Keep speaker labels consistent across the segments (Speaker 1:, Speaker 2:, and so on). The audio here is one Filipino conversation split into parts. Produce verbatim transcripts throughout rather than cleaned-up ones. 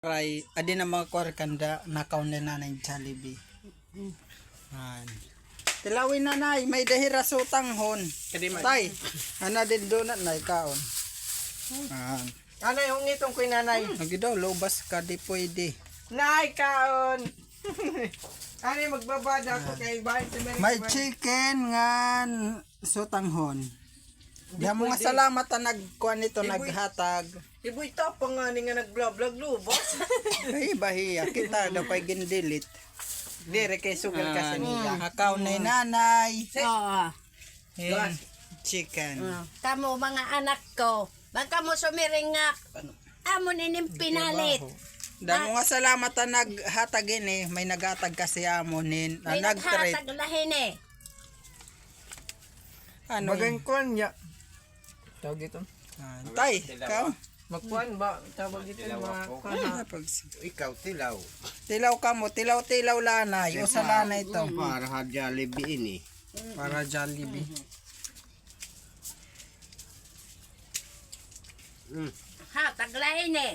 Speaker 1: fry. Adi na mga kwarkanda nakaw na nanay Jollibee. Yan. Tilawin na nay, may dahira sutang hon. Tay, ana din donut na ikaon. Yan.
Speaker 2: Ano yung itong kuy nanay?
Speaker 1: Lagi daw, lobas ka, di pwede.
Speaker 2: Nay, kaon! Ano yung magbabada ako kay bahay si Mary?
Speaker 1: May chicken ngan sutanghon. Diyan mo nga salamat na nagkuhan nito, naghatag.
Speaker 2: Iboy tapang nga ni nga nag-vlog lubos.
Speaker 1: Ay, bahiya. Kita daw pa'y gindilit.
Speaker 2: Dire kay sugal ka sa nila.
Speaker 1: Akaw na nanay.
Speaker 3: Oo.
Speaker 1: And chicken.
Speaker 3: Uh, Kamo mga anak ko. Baka mo sumiringak. Amo nining pinalit.
Speaker 1: Damo nga salamat na naghatag ini. May naghatag kasi amonin.
Speaker 3: May
Speaker 1: Ah, nag-trade.
Speaker 3: naghatag lahin eh.
Speaker 1: Ano
Speaker 2: Magang kuan niya. Tawag ito.
Speaker 1: Ah, tay, ikaw?
Speaker 2: Magkuan ba? Tawag ito mga kuan.
Speaker 1: Ah, pag-
Speaker 4: Ikaw, tilaw.
Speaker 1: Tilaw ka mo. Tilaw-tilaw lanay. O sa lanay ito.
Speaker 4: Para ha Jollibee ini.
Speaker 1: Para Jollibee.
Speaker 4: Mm.
Speaker 3: Hatag lahin eh.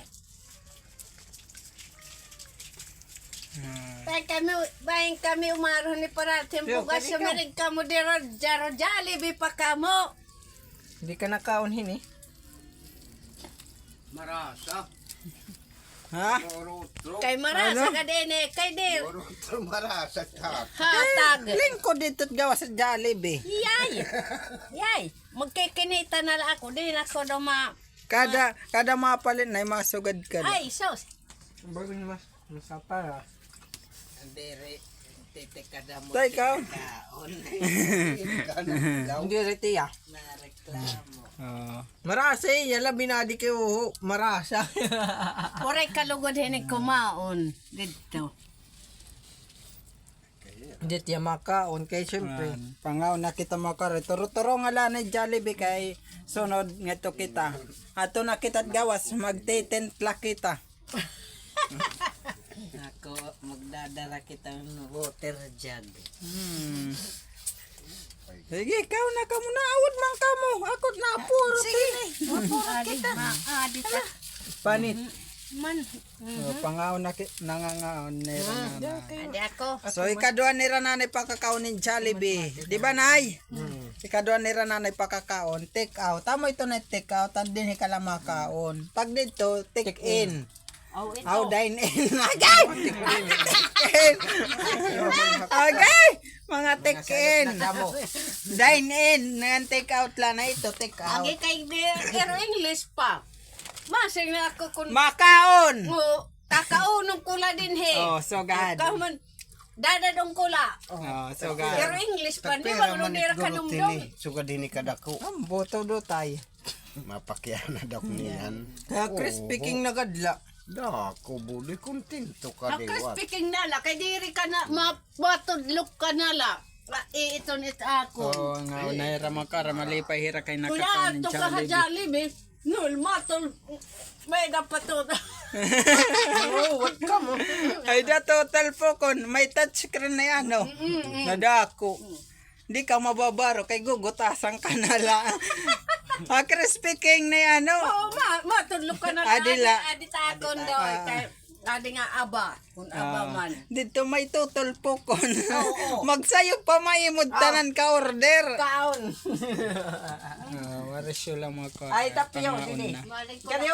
Speaker 1: Ah.
Speaker 3: Bayan kami, bayan kami umaroon ni parating
Speaker 2: Yo,
Speaker 3: bugas
Speaker 2: kani ka.
Speaker 3: sumiring kamo diro jaro Jollibee pa kamo.
Speaker 2: Hindi ka nakaon hini.
Speaker 4: Marasa.
Speaker 1: Ha?
Speaker 4: Orotro.
Speaker 3: Kay marasa ka din eh. Kay dir.
Speaker 4: Orotro marasa tap.
Speaker 3: Hatag.
Speaker 1: Lingkod dito gawa sa Jollibee.
Speaker 3: Yay! Yay! Magkikinita na lang ako. Din ako daw ma...
Speaker 1: Kada kada mapalin na mga sugad ka.
Speaker 3: Ay, sos!
Speaker 2: Bago ni mas masapara.
Speaker 4: Andere. Tete kada mo.
Speaker 1: Tay, ikaw?
Speaker 2: Hindi riti ah.
Speaker 4: Na reklamo.
Speaker 1: Oo.
Speaker 2: Marasa eh. Yala binadi kayo. Marasa.
Speaker 3: Puray kalugod hinig kumaon. Dito.
Speaker 2: Hindi tiya makaon. Kaya syempre.
Speaker 1: Pangaw na kita makare. Turo-turo nga lang ni Jollibee kay sunod nga to kita. Ato na kita't gawas. Magtitentla kita.
Speaker 4: Ako magdadala kita ng water jug.
Speaker 1: Hmm. Sige, ikaw na ka muna. Awad man ka mo. Ako na puro. Sige.
Speaker 3: Adi, adi ta.
Speaker 2: Panit.
Speaker 3: Man.
Speaker 1: So, pangaw na ki- nangangaon ni Ranana.
Speaker 3: Adi ako.
Speaker 1: So, ikadua ni Rananay pakakaon ni Jollibee. Di ba, Nay? Ikadua ni Rananay pakakaon. Take out. Tamo ito na take out. Tandin ka lang makaon. Pag dito, take in.
Speaker 3: Oh, ito.
Speaker 1: How dine in. Agay! Take in. Agay! Mga take in. Dine in. Ngayon take out lang na ito. Take out.
Speaker 3: Agi kay dir. Pero English pa. Masing na ako kung...
Speaker 1: Makaon!
Speaker 3: Mo, kakaunong kula din he.
Speaker 1: Oh, so God.
Speaker 3: Kaman, dadadong kula.
Speaker 1: Oh, so
Speaker 3: Pero
Speaker 1: God.
Speaker 3: English pa. Di ba nung dira ka numdong?
Speaker 4: Sugad ini kadako.
Speaker 1: Ang boto do tayo.
Speaker 4: Mapakyan na dok niyan.
Speaker 2: Kaya Chris speaking na gadla.
Speaker 4: Dako budi kontento ka
Speaker 3: Ako
Speaker 4: diwat.
Speaker 3: speaking nala, kay diri ka na, mapatudlok ka nala. Eh, ito nit ako.
Speaker 1: Oh, nga unay ra makara malipay hira kay
Speaker 3: Kuya,
Speaker 1: nakakaon ni
Speaker 3: ato ka ha
Speaker 1: Jollibee.
Speaker 3: Jollibee. Nul, matol. May dapat to.
Speaker 2: Oh, what ka mo?
Speaker 1: Ay da total po kon may touchscreen na yan no. Nadako. Di ka mababaro kay gugutasan ka na lang. Ah, Chris speaking na yan no.
Speaker 3: Oo, ma, matudlok ka na.
Speaker 1: Adila.
Speaker 3: Adi takon daw.
Speaker 1: Ah.
Speaker 3: Kay, adi nga aba. Kung aba man.
Speaker 1: Dito may tutol po kon.
Speaker 3: Oo.
Speaker 1: Magsayo pa maimod tanan ka order.
Speaker 3: Kaon.
Speaker 1: Ah, waras yun lang mga ko.
Speaker 2: Ay, tapyo,
Speaker 1: Pangaon
Speaker 2: dili.
Speaker 1: na.
Speaker 3: Malik ko
Speaker 2: Kaya